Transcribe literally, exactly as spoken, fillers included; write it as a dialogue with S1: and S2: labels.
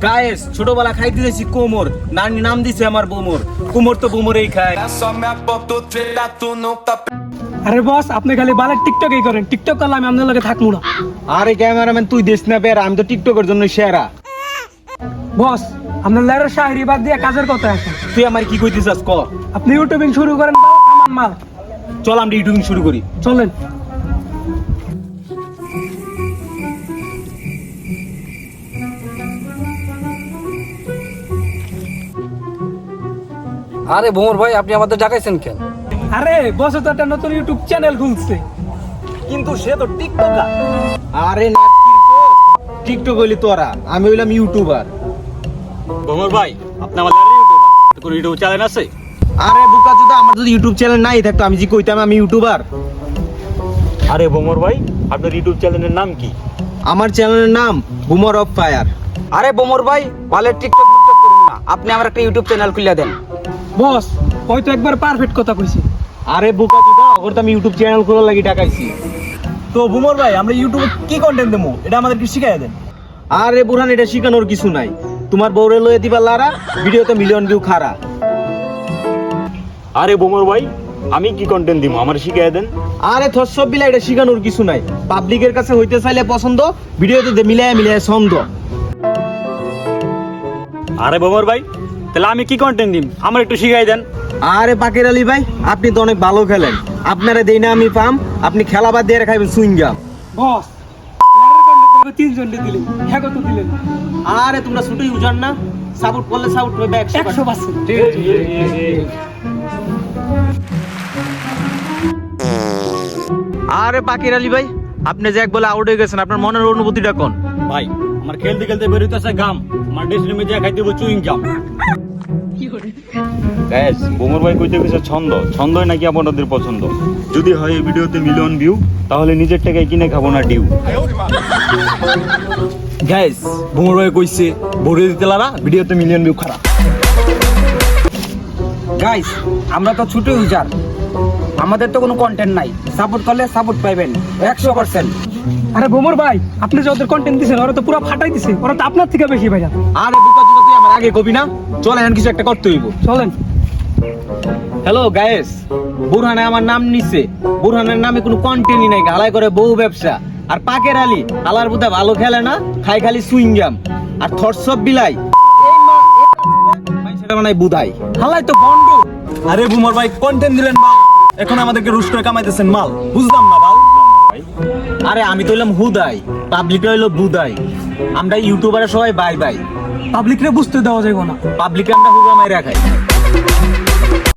S1: Guys ছোটবেলা খাইতে দিয়েছি কোমর, নানি নাম দিছে আমার বোমর, কোমর তো বোমরেই খায়।
S2: আরে বস, আপনি খালি বালের টিকটকই করেন, টিকটক করলে আমি আপনার লগে থাকবো না।
S1: আরে ক্যামেরাম্যান তুই দেশ না বের, আমি তো টিকটকের জন্য সেরা।
S2: বস, আপনার লেয়ারের শাহরি বাদ দিয়ে কাজের কথা এখন।
S1: তুই আমার কি কইতে চাস ক?
S2: আপনি ইউটিউবিং শুরু করেন, আমার মাল।
S1: চল আমরা ইউটিউবিং শুরু করি,
S2: চলেন।
S3: আরে ভোমর ভাই, আপনি আমাদের ডাকাইছেন কেন?
S2: আরে বস তো একটা নতুন ইউটিউব চ্যানেল খুলছে,
S1: কিন্তু সে তো টিকটকার। আরে না টিকটক হইলি তোরা, আমি হইলাম ইউটিউবার।
S4: ভোমর ভাই, আপনি আমাদের ইউটিউবার, তো কোন ইউটিউব চ্যানেল আছে?
S1: আরে বোকা চোদা, আমার যদি ইউটিউব চ্যানেল নাই থাকতো আমি যে কইতাম আমি ইউটিউবার।
S4: আরে ভোমর ভাই, আপনার ইউটিউব চ্যানেলের নাম কি?
S1: আমার চ্যানেলের নাম বুমার অফ ফায়ার।
S3: আরে ভোমর ভাই, বালের টিকটক টিকটক করুন না, আপনি আমার একটা ইউটিউব চ্যানেল খুলে দেন।
S2: বস হয়তো একবার পারফেক্ট কথা কইছি।
S1: আরে বোকা চোদা, ওর তো আমি ইউটিউব চ্যানেল খোলার লাগি টাকাইছি।
S5: তো বুমর ভাই, আমরা ইউটিউবে কি কন্টেন্ট দেবো এটা আমাদেরকে শিখাই দেন।
S1: আরে বুরহান, এটা শিখানোর কিছু নাই, তোমার বউরে লয়ে দিবা লারা, ভিডিওতে মিলিয়ন ভিউ খারা।
S4: আরে ভোমর ভাই, আমি কি কন্টেন্ট দিব, আমার শিখিয়ে দেন।
S1: আরে থসব বিলা, এটা শিখানোর কিছু নাই, পাবলিকের কাছে হইতে চাইলে পছন্দ, ভিডিওতে মিলায় মিলায় ছন্দ।
S4: আরে ভোমর ভাই, তাহলে আমি কি কন্টেন্ট দিব, আমার একটু শিখাই দেন।
S1: আরে পাকের আলী ভাই, আপনি তো অনেক ভালো খেলেন, আপনারা দেই না আমি পাম, আপনি খেলা বাদ দিয়ে খাইবেন সুইংগাম।
S2: বস লেয়ারের কন্টেন্ট হবে তিনজন দিলেন, হ্যাঁ কত দিলেন?
S1: আরে তোমরা ছুটি উজান না, সাপোর্ট করলে সাপোর্ট পাবে একশো
S2: একশো পার্সেন্ট।
S1: আরে পাকের আলী ভাই, আপনি যে এক বলে আউট হয়ে গেছেন, আপনার মনের অনুভূতিটা কোন?
S4: ভাই, আমার খেলতে খেলতে বেরোতেছে গাম, আমার ড্রেসিং রুমে যা খাইতে হবে চুইং গাম। গ্যাস, ভোমর ভাই কইতে গেছে ছন্দ, ছন্দই নাকি আপনাদের পছন্দ। যদি হয় এই ভিডিওতে মিলিয়ন ভিউ, তাহলে নিজের টাকায় কিনে খাবো না ডিউ।
S5: গাইস, বুমর ভাই কইছে ভরে দিতে লারা, ভিডিওতে মিলিয়ন ভিউ খারাপ।
S3: গাইস, আমরা তো ছোট ইউজার, আমাদের তো কোনো কন্টেন্ট নাই, সাপোর্ট করলে সাপোর্ট পাইবেন একশো পার্সেন্ট।
S2: আরে ভোমর ভাই, আপনি যে ওদের কন্টেন্ট দিছেন ওরা তো পুরো ফাটাই দিছে, ওরা তো আপনার থেকে বেশি ভাইয়া।
S1: আরে বোকা চোদা, তুই আমার আগে কবি না, চল এখন কিছু একটা করতে হইব।
S2: চলেন।
S1: হ্যালো গায়েস, বুরহানে আমার নাম নিছে, বুরহানের নামে কোনো কন্টেন্টই নাই, গালায় করে বউ ব্যবসা। আর পাকের আলী আলার বুদা ভালো খেলে না, খাই খালি সুইংগাম। আর থরসব বিলাই সেটা বানাই বুধাই, হালাই তো বন্ড।
S5: আরে বুমর ভাই, কন্টেন্ট দিলেন মাল, এখন আমাদেরকে রুশ করে কামাইতেছেন মাল, বুঝলাম না বাল।
S1: আরে আমি তো হইলাম হুদাই, পাবলিক হইলো বুধাই, আমরা ইউটিউবারে সবাই বাই বাই,
S2: পাবলিকরে বুঝতে দেওয়া যাবে না।
S1: পাবলিকে আমরা হুগা মাইরা খাই।